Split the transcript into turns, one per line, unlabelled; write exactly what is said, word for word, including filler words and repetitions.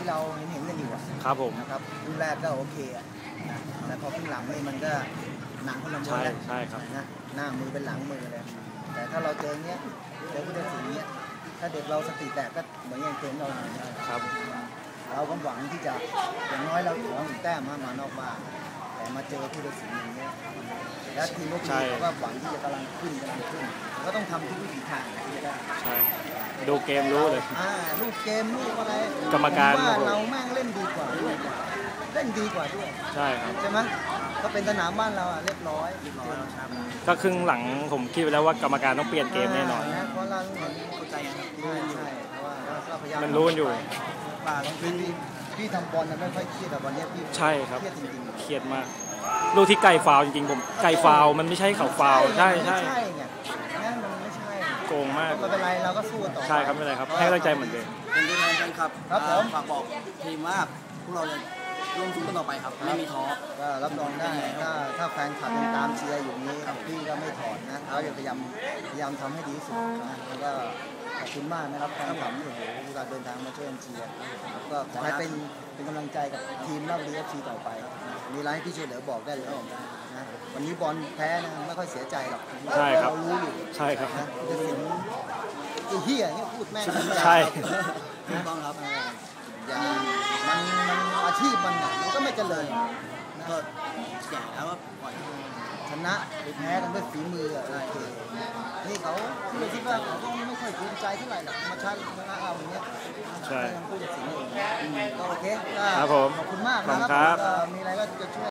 ที่เราเห็นเห็นกันอยู่
ครับผม
นะครับรุ่นแรกก็โอเคอ่ะนะแต่พอขึ้นหลังนี่มันก็หนังคนละม้วนแล้ว
ใช่ครับ
นะหน้ามือเป็นหลังมือเลยแต่ถ้าเราเจอเนี้ยเจอผู้ตัดสินเนี้ยถ้าเด็กเราสติแตกก็เหมือนอย่างเกมเรา
ครับ
เราก็หวังที่จะอย่างน้อยเราขอหนึ่งแต้มมานอกบ้านแต่มาเจอผู้ตัดสินอย่างเงี้ยแล้วทีมลูกทีมเขาก็หวังที่จะกำลังขึ้นกำลังขึ้นก็ต้องทำทุกวิถีทางที่จะได้
ใช่ดูเกมรู้เลย
อ่าลูกเกมลูกอะไร
กรรมการ
ว่าเราแม่งเล่นดีกว่าด้วยเล่นดีกว่าด้วย
ใช่ครับ
ใช่ไหมก็เป็นสนามบ้านเราอ่ะเรียบร้อยเรียบร้อย
ก็ครึ่งหลังผมคิดไปแล้วว่ากรรมการต้องเปลี่ยนเกมแน่นอน
เพราะเราเข้าใจครับใช่ใช่เพราะว่าก็พยายาม
มันรู้กันอยู่
ป่าต้องพี่พี่ทำบอลนะไม่ค่อยเครียดแต่วันนี้พี่
ใช่ครับ
เครียดจริงๆ
เครียดมากลูกที่ไก่ฟาวจริงๆผมไก่ฟาวมันไม่ใช่เขาฟาวใช่ใช่
ใช่ไงนั่นมันไม่ใช่
โกงมาก
ไม่เป็นไรเราก็สู้ต่อ
ใช่ครับไม่เป็นไรครับให้กำลังใจเหมือนเดิม
เป็นตัวแทนแฟนคลับ
ครับผม
ฝากบอกทีมว่าพวกเราจะร่วมสู้กันต่อไปครับไม่มีท้อ
ก็รับรองได้ถ้าถ้าแฟนคลับยังตามเชียร์อยู่นี้พี่ก็ไม่ถอนนะเราจะพยายามพยายามทำให้ดีที่สุดนะแล้วก็ขอบคุณมากนะครับแฟนคลับโอ้โหเวลาเดินทางมาช่วยเชียร์ก็ขอให้เป็นเป็นกำลังใจกับทีมราชบุรี เอฟ ซี ต่อไปมีอะไรให้พี่ช่วยเหลือบอกได้เลยนะวันนี้บอลแพ้นะไม่ค่อยเสียใจหรอก
ใช่ครับ
เรารู้อยู่
ใช่ครับ
นะจะสิงไอ้เหี้ยเนี่ยพูดแม่ง
ใช่
ถูกต้องครับอย่ามันมันอาชีพมันมันก็ไม่เจริญ
ก็แก่แล้วก็ปล่อย
ชนะหรือแพ้กันด้วยฝีมืออะไรนี่เขาเราคิดว่าเขาก็ไม่ค่อยภูมิใจเท่าไหร่หรอกมาชนะชนะเราอย่างเงี้ย
ใช่
พูดถึงสิ่งนี้ก็โอเค
ครับผม
ขอบคุณมากนะครับมีอะไรก็จะช่วย